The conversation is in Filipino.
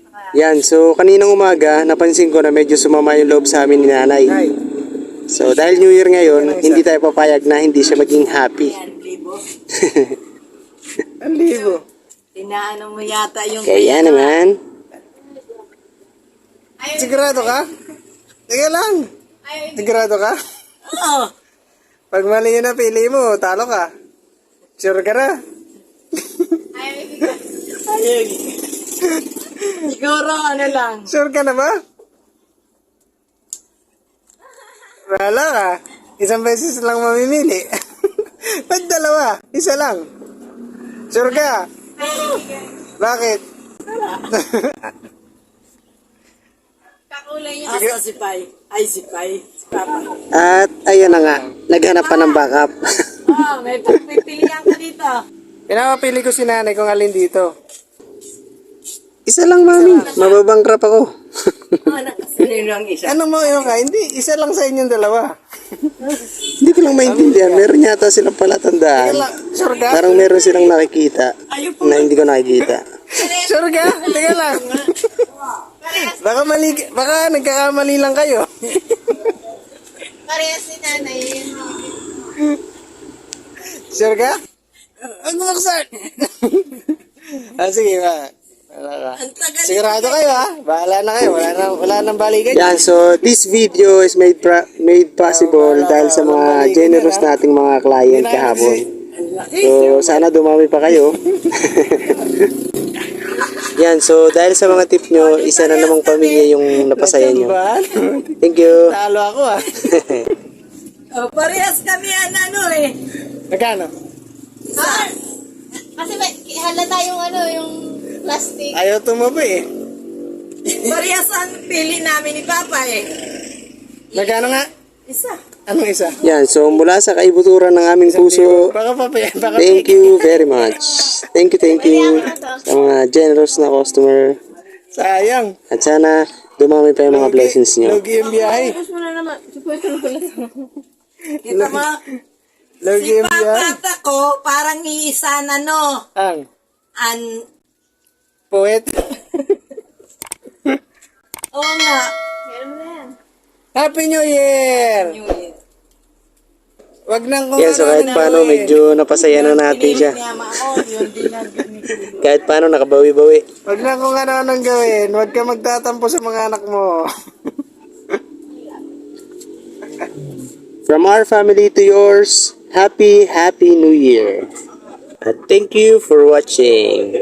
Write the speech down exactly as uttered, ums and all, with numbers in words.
Yan, so kaninang umaga, napansin ko na medyo sumama yung loob sa amin ni nanay. So dahil New Year ngayon, hindi tayo papayag na hindi siya maging happy. Ang libo. Tinaano mo yata yung... Kaya naman. Sigurado ka? Teka lang. Sigurado ka? Oo. Pag mali yun na pili mo, talo ka. Sure ka na? Ayun. Siguro ano lang. Sure ka na ba? Wala ka. Isang beses lang mamimili. Ba't dalawa? Isa lang. Sure ka? Bakit? Kakulay niya. Asa si Pai? Ay, si Pai. Si Papa. At ayan na nga, naghanap pa ng backup. Oh, may pagpipilihan ka dito. Pinapapili ko si nanay kung alin dito. Isa lang, mami. Mababangkrap ako. Sino ang isa? Anong mo yun ka? Hindi, isa lang sa inyong dalawa. Hindi ko lang maintindihan. Meron yata silang palatandaan. Sure ka? Parang meron silang nakikita na hindi ko nakikita. Sure ka? Teka lang. Baka mali, baka nagkakamali lang kayo. Parehas si nanay yun. Sure ka? Ang buksan! Ah, sige ba? Wala ka. Sigurado kayo ha? Bahala na kayo. Wala nang, wala nang balikan. Yan, so this video is made pra- made possible dahil sa mga generous nating mga client kahapon. So, sana dumami pa kayo. Yan, so dahil sa mga tip nyo, isa na namang pamilya yung napasaya nyo. Thank you. Talo ako ha. Oh, parehas kami yan ano eh. Magkano? Ah, kasi may halata yung ano, yung plastic. Ayaw tumabi eh. Parehas ang pili namin ni Papa eh. Magkano nga? Isa. Anong isa? Yan, so mula sa kaibuturan ng aming puso, Baka pa baka thank you very much. Thank you, thank you sa mga generous na customer. sayang. At sana dumami pa yung mga blessings nyo. Logi yung biyahe. Tapos mo na naman. Supuesto ko lang. Kita mo? Logi Si yung biyahe. Papa ko parang iisa na no. Ang An... poet. Oo nga. Meron mo na yan. Happy New Year! Wag nang kung Yan, so kahit paano, medyo napasaya na natin siya. Piniyama ako, yun din ang binigay. Kahit paano, nakabawi-bawi. Wag na kung ano anong gawin. Wag ka magtatampo sa mga anak mo. From our family to yours, happy, happy New Year. At thank you for watching.